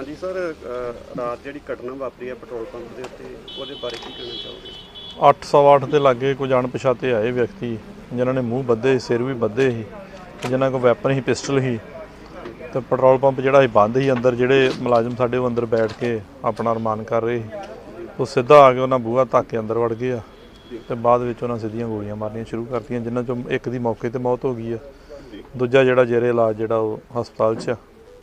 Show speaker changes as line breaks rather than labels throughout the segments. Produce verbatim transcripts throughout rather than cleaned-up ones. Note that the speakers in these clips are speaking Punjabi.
ਹਾਂਜੀ ਸਰ, ਰਾਤ ਜਿਹੜੀ ਘਟਨਾ ਵਾਪਰੀ ਹੈ ਪੈਟਰੋਲ ਪੰਪ ਦੇ ਉੱਤੇ, ਉਹਦੇ ਬਾਰੇ ਕੀ ਕਹਿਣਾ ਚਾਹੋਗੇ?
ਅੱਠ ਸਵਾ ਅੱਠ ਦੇ ਲਾਗੇ ਕੁਝ ਅਣਪਛਾਤੇ ਆਏ ਵਿਅਕਤੀ ਜਿਨ੍ਹਾਂ ਨੇ ਮੂੰਹ ਬੱਧੇ, ਸਿਰ ਵੀ ਬੱਧੇ ਸੀ, ਜਿਨ੍ਹਾਂ ਕੋਲ ਵੈਪਨ ਸੀ, ਪਿਸਟਲ ਸੀ ਤੇ ਪੈਟਰੋਲ ਪੰਪ ਜਿਹੜਾ ਸੀ ਬੰਦ ਸੀ। ਅੰਦਰ ਜਿਹੜੇ ਮੁਲਾਜ਼ਮ ਸਾਡੇ ਉਹ ਅੰਦਰ ਬੈਠ ਕੇ ਆਪਣਾ ਅਰਮਾਨ ਕਰ ਰਹੇ ਸੀ, ਉਹ ਸਿੱਧਾ ਆ ਕੇ ਉਹਨਾਂ ਬੂਹਾ ਧੱਕ ਕੇ ਅੰਦਰ ਵੜ ਗਏ ਆ ਤੇ ਬਾਅਦ ਵਿੱਚ ਉਹਨਾਂ ਸਿੱਧੀਆਂ ਗੋਲੀਆਂ ਮਾਰਨੀਆਂ ਸ਼ੁਰੂ ਕਰਤੀਆਂ, ਜਿਨ੍ਹਾਂ ਚੋਂ ਇੱਕ ਦੀ ਮੌਕੇ 'ਤੇ ਮੌਤ ਹੋ ਗਈ ਆ, ਦੂਜਾ ਜਿਹੜਾ ਜੇਰੇ ਇਲਾਜ ਜਿਹੜਾ ਉਹ ਹਸਪਤਾਲ 'ਚ ਆ।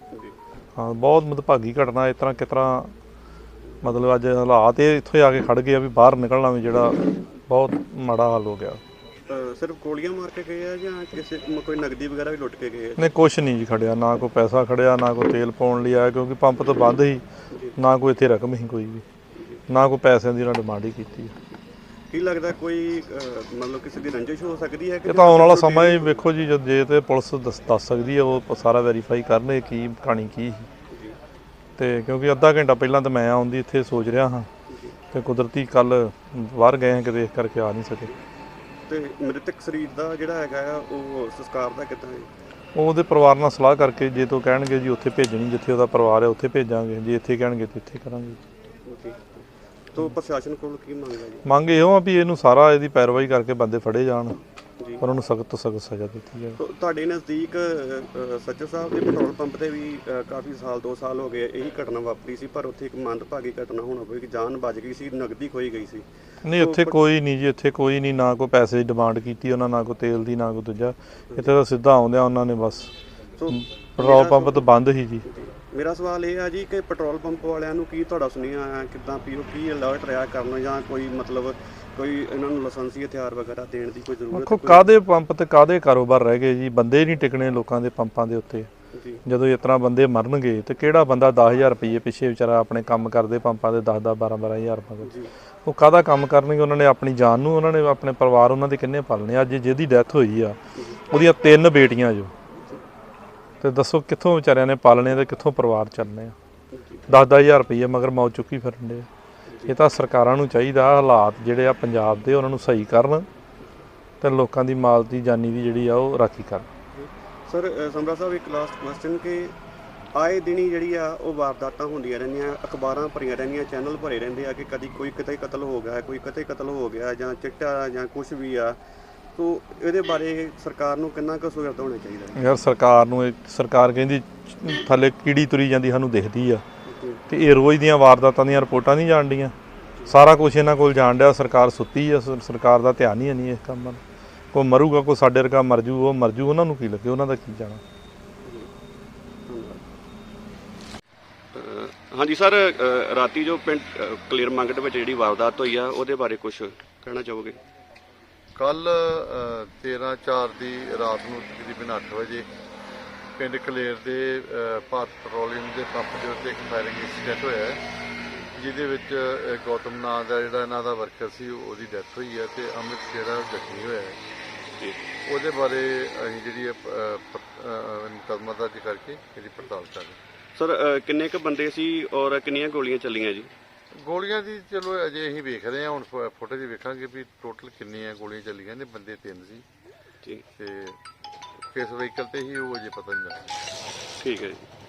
ਹਾਂ, ਬਹੁਤ ਮੰਦਭਾਗੀ ਘਟਨਾ। ਇਸ ਤਰ੍ਹਾਂ ਕਿਸ ਤਰ੍ਹਾਂ ਮਤਲਬ ਅੱਜ ਹਾਲਾਤ ਇਹ ਇੱਥੋਂ ਆ ਕੇ ਖੜ੍ਹ ਗਏ ਆ ਵੀ ਬਾਹਰ ਨਿਕਲਣਾ ਵੀ ਜਿਹੜਾ ਬਹੁਤ ਮਾੜਾ ਹਾਲ ਹੋ ਗਿਆ।
ਸਿਰਫ ਗੋਲੀਆਂ ਮਾਰ ਕੇ ਗਏ ਆ ਜਾਂ ਕਿਸੇ ਕੋਈ ਨਗਦੀ ਵਗੈਰਾ ਵੀ ਲੁੱਟ ਕੇ ਗਏ ਆ?
ਨਹੀਂ, ਕੁਛ ਨਹੀਂ ਜੀ ਖੜਿਆ, ਨਾ ਕੋਈ ਪੈਸਾ ਖੜਿਆ, ਨਾ ਕੋਈ ਤੇਲ ਪਾਉਣ ਲਈ ਆਇਆ ਕਿਉਂਕਿ ਪੰਪ ਤਾਂ ਬੰਦ ਸੀ, ਨਾ ਕੋਈ ਇੱਥੇ ਰਕਮ ਸੀ ਕੋਈ ਵੀ, ਨਾ ਕੋਈ ਪੈਸਿਆਂ ਦੀ ਉਹਨਾਂ ਡਿਮਾਂਡ ਹੀ ਕੀਤੀ।
ਕੀ ਲੱਗਦਾ ਕੋਈ ਮਤਲਬ ਕਿਸੇ ਦੀ ਰੰਜਿਸ਼ ਹੋ ਸਕਦੀ ਹੈ?
ਇਹ ਤਾਂ ਆਉਣ ਵਾਲਾ ਸਮਾਂ ਹੀ ਵੇਖੋ ਜੀ, ਜਦ ਜੇ ਤੇ ਪੁਲਿਸ ਦੱਸ ਦੱਸ ਸਕਦੀ ਹੈ, ਉਹ ਸਾਰਾ ਵੈਰੀਫਾਈ ਕਰਨ ਇਹ ਕੀ ਕਹਾਣੀ ਕੀ ਸੀ। ਤੇ ਕਿਉਂਕਿ ਅੱਧਾ ਘੰਟਾ ਪਹਿਲਾਂ ਤਾਂ ਮੈਂ ਆਉਣ ਦੀ ਇੱਥੇ ਸੋਚ ਰਿਹਾ ਹਾਂ ਤੇ ਕੁਦਰਤੀ ਕੱਲ੍ਹ ਬਾਹਰ ਗਏ ਹਾਂ ਕਿਤੇ, ਇਸ ਕਰਕੇ ਆ ਨਹੀਂ ਸਕੇ।
ਤੇ ਮ੍ਰਿਤਕ ਸਰੀਰ ਦਾ ਜਿਹੜਾ ਹੈਗਾ ਆ ਉਹ ਸੰਸਕਾਰ ਦਾ ਕਿੱਦਾਂ ਹੈ?
ਉਹ ਉਹਦੇ ਪਰਿਵਾਰ ਨਾਲ ਸਲਾਹ ਕਰਕੇ ਜੇ ਤੋਂ ਕਹਿਣਗੇ ਜੀ ਉੱਥੇ ਭੇਜਣੀ, ਜਿੱਥੇ ਉਹਦਾ ਪਰਿਵਾਰ ਹੈ ਉੱਥੇ ਭੇਜਾਂਗੇ, ਜੇ ਇੱਥੇ ਕਹਿਣਗੇ ਤਾਂ ਇੱਥੇ ਕਰਾਂਗੇ।
ਤੋ ਪ੍ਰਸ਼ਾਸਨ ਕੋਲ ਕੀ ਮੰਗ ਹੈ ਜੀ?
ਮੰਗ ਇਹੋ ਆ ਵੀ ਇਹਨੂੰ ਸਾਰਾ ਇਹਦੀ ਪੈਰਵਾਈ ਕਰਕੇ ਬੰਦੇ ਫੜੇ ਜਾਣ, ਪਰ ਉਹਨੂੰ ਸਖਤ ਤੋਂ ਸਖਤ ਸਜ਼ਾ ਦਿੱਤੀ ਜਾਵੇ।
ਤੁਹਾਡੇ ਨਜ਼ਦੀਕ ਸੱਚਰ ਸਾਹਿਬ ਦੇ ਪੈਟਰੋਲ ਪੰਪ ਤੇ ਵੀ ਕਾਫੀ ਸਾਲ ਦੋ ਸਾਲ ਹੋ ਗਏ ਇਹੀ ਘਟਨਾ ਵਾਪਰੀ ਸੀ, ਪਰ ਉੱਥੇ ਇੱਕ ਮੰਦਭਾਗੀ ਘਟਨਾ ਹੋਣਾ ਪਈ ਕਿ ਜਾਨ ਬਚ ਗਈ ਸੀ, ਨਗਦੀ ਖੋਈ ਗਈ ਸੀ।
ਨਹੀਂ, ਇੱਥੇ ਕੋਈ ਨਹੀਂ ਜੀ, ਇੱਥੇ ਕੋਈ ਨਹੀਂ, ਨਾ ਕੋਈ ਪੈਸੇ ਦੀ ਡਿਮਾਂਡ ਕੀਤੀ ਉਹਨਾਂ, ਨਾ ਕੋਈ ਤੇਲ ਦੀ, ਨਾ ਕੋਈ ਦੂਜਾ। ਇੱਥੇ ਤਾਂ ਸਿੱਧਾ ਆਉਂਦਿਆਂ ਉਹਨਾਂ ਨੇ ਬਸ ਪੈਟਰੋਲ ਪੰਪ ਤਾਂ ਬੰਦ ਹੀ ਜੀ।
ਮੇਰਾ ਸਵਾਲ ਇਹ ਆ ਜੀ ਕਿ ਪੈਟਰੋਲ ਪੰਪ ਵਾਲਿਆਂ ਨੂੰ ਕੀ ਤੁਹਾਡਾ ਸੁਨੇਹਾ ਹੈ, ਕਿੱਦਾਂ ਪੀਓ ਕੀ ਅਲਰਟ ਰਿਹਾ ਕਰਨਾ, ਜਾਂ ਕੋਈ ਮਤਲਬ ਕੋਈ ਇਹਨਾਂ ਨੂੰ ਲਾਇਸੈਂਸੀ ਹਥਿਆਰ ਵਗੈਰਾ ਦੇਣ ਦੀ ਕੋਈ ਜ਼ਰੂਰਤ?
ਦੇਖੋ, ਕਾਹਦੇ ਪੰਪ ਤੇ ਕਾਹਦੇ ਕਾਰੋਬਾਰ ਰਹਿ ਗਏ ਜੀ, ਬੰਦੇ ਨਹੀਂ ਟਿਕਣੇ ਲੋਕਾਂ ਦੇ ਪੰਪਾਂ ਦੇ ਉੱਤੇ। ਜਦੋਂ ਇਸ ਤਰ੍ਹਾਂ ਬੰਦੇ ਮਰਨਗੇ ਤੇ ਕਿਹੜਾ ਬੰਦਾ ਦਸ ਹਜ਼ਾਰ ਰੁਪਈਏ ਪਿੱਛੇ ਵਿਚਾਰਾ ਆਪਣੇ ਕੰਮ ਕਰਦੇ ਪੰਪਾਂ ਦੇ ਦਸ ਦਸ ਬਾਰਾਂ ਬਾਰਾਂ ਹਜ਼ਾਰ ਰੁਪਏ, ਉਹ ਕਾਹਦਾ ਕੰਮ ਕਰਨਗੇ? ਉਹਨਾਂ ਨੇ ਆਪਣੀ ਜਾਨ ਨੂੰ, ਉਹਨਾਂ ਨੇ ਆਪਣੇ ਪਰਿਵਾਰ ਉਹਨਾਂ ਦੇ ਕਿੰਨੇ ਪਾਲਣੇ? ਅੱਜ ਜਿਹਦੀ ਡੈਥ ਹੋਈ ਆ ਉਹਦੀਆਂ ਤਿੰਨ ਬੇਟੀਆਂ ਜੋ, ਤੇ ਦੱਸੋ ਕਿੱਥੋਂ ਵਿਚਾਰਿਆਂ ਨੇ ਪਾਲਣੇ ਤੇ ਕਿੱਥੋਂ ਪਰਿਵਾਰ ਚੱਲਣੇ ਆ? ਦਸ ਦਸ ਹਜ਼ਾਰ ਰੁਪਈਏ ਮਗਰ ਮੌਤ ਚੁੱਕੀ ਫਿਰਨ ਦੇ। ਇਹ ਤਾਂ ਸਰਕਾਰਾਂ ਨੂੰ ਚਾਹੀਦਾ ਹਾਲਾਤ ਜਿਹੜੇ ਆ ਪੰਜਾਬ ਦੇ ਉਹਨਾਂ ਨੂੰ ਸਹੀ ਕਰਨ ਤੇ ਲੋਕਾਂ ਦੀ ਮਾਲ ਦੀ ਜਾਨੀ ਦੀ ਜਿਹੜੀ ਆ ਉਹ ਰਾਖੀ ਕਰਨ।
ਸਰ ਸਮਰਾ ਸਾਹਿਬ, ਇੱਕ ਲਾਸਟ ਕੁਐਸਚਨ ਕਿ ਆਏ ਦਿਨੀ ਜਿਹੜੀ ਆ ਉਹ ਵਾਰਦਾਤਾਂ ਹੁੰਦੀਆਂ ਰਹਿੰਦੀਆਂ, ਅਖਬਾਰਾਂ ਭਰੀਆਂ ਰਹਿੰਦੀਆਂ, ਚੈਨਲ ਭਰੇ ਰਹਿੰਦੇ ਆ ਕਿ ਕਦੀ ਕੋਈ ਕਿਤੇ ਕਤਲ ਹੋ ਗਿਆ, ਕੋਈ ਕਿਤੇ ਕਤਲ ਹੋ ਗਿਆ, ਜਾਂ ਚਿੱਟਾ ਜਾਂ ਕੁਛ ਵੀ ਆ। ਤੋ ਇਹਦੇ ਬਾਰੇ ਸਰਕਾਰ ਨੂੰ ਕਿੰਨਾ ਕੁ ਸੁਚੇਤ ਹੋਣਾ ਚਾਹੀਦਾ?
ਯਾਰ ਸਰਕਾਰ ਨੂੰ, ਇਹ ਸਰਕਾਰ ਕਹਿੰਦੀ ਥੱਲੇ ਕੀੜੀ ਤੁਰੀ ਜਾਂਦੀ ਸਾਨੂੰ ਦਿਖਦੀ ਆ, ਤੇ ਇਹ ਰੋਜ਼ ਦੀਆਂ ਵਾਰਦਾਤਾਂ ਦੀਆਂ ਰਿਪੋਰਟਾਂ ਨਹੀਂ ਜਾਣ ਡੀਆਂ, ਸਾਰਾ ਕੁਛ ਇਹਨਾਂ ਕੋਲ ਜਾਣ ਡਿਆ। ਸਰਕਾਰ ਸੁੱਤੀ ਆ, ਸਰਕਾਰ ਦਾ ਧਿਆਨ ਹੀ ਨਹੀਂ ਇਸ ਕੰਮ ਵੱਲ। ਕੋਈ ਮਰੂਗਾ, ਕੋਈ ਸਾਡੇ ਵਰਗਾ ਮਰ ਜੂ, ਉਹ ਮਰ ਜੂ, ਉਹਨਾਂ ਨੂੰ ਕੀ ਲੱਗੇ, ਉਹਨਾਂ ਦਾ ਕੀ ਜਾਣਾ।
ਹਾਂਜੀ ਸਰ, ਰਾਤੀ ਜੋ ਪਿੰਡ ਕਲੀਅਰ ਮੰਗਟ ਵਿੱਚ ਜਿਹੜੀ ਵਾਰਦਾਤ ਹੋਈ ਆ ਉਹਦੇ ਬਾਰੇ ਕੁਝ ਕਹਿਣਾ ਚਾਹੋਗੇ?
ਕੱਲ ਤੇਰ੍ਹਾਂ ਚਾਰ ਦੀ ਰਾਤ ਨੂੰ ਤਕਰੀਬਨ ਅੱਠ ਵਜੇ ਪਿੰਡ ਕਲੇਰ ਦੇ ਭਾਰਤ ਪੈਟਰੋਲੀਅਮ ਦੇ ਪੰਪ ਦੇ ਉੱਤੇ ਇੱਕ ਫਾਇਰਿੰਗ ਇੰਸੀਡੈਂਟ ਹੋਇਆ ਹੈ, ਜਿਹਦੇ ਵਿੱਚ ਗੌਤਮ ਨਾਂ ਦਾ ਜਿਹੜਾ ਇਹਨਾਂ ਦਾ ਵਰਕਰ ਸੀ ਉਹਦੀ ਡੈਥ ਹੋਈ ਹੈ ਤੇ ਅਮਿਤ ਜਿਹੜਾ ਜ਼ਖਮੀ ਹੋਇਆ ਹੈ। ਉਹਦੇ ਬਾਰੇ ਅਸੀਂ ਜਿਹੜੀ ਮੁਕੱਦਮਾ ਦਰਜ ਕਰਕੇ ਇਹਦੀ ਪੜਤਾਲ ਕਰ ਰਹੇ।
ਸਰ ਕਿੰਨੇ ਕੁ ਬੰਦੇ ਸੀ ਔਰ ਕਿੰਨੀਆਂ ਗੋਲੀਆਂ ਚੱਲੀਆਂ ਜੀ?
ਗੋਲੀਆਂ ਦੀ ਚਲੋ ਅਜੇ ਅਸੀਂ ਵੇਖ ਰਹੇ ਹਾਂ, ਹੁਣ ਫੁਟੇਜ ਵੇਖਾਂਗੇ ਵੀ ਟੋਟਲ ਕਿੰਨੀਆਂ ਗੋਲੀਆਂ ਚੱਲੀਆਂ ਨੇ। ਬੰਦੇ ਤਿੰਨ ਸੀ
ਠੀਕ,
ਤੇ ਕਿਸ ਵਹੀਕਲ ਤੇ ਹੀ ਉਹ ਅਜੇ ਪਤਾ ਨਹੀਂ ਲੱਗਦਾ।
ਠੀਕ ਹੈ ਜੀ।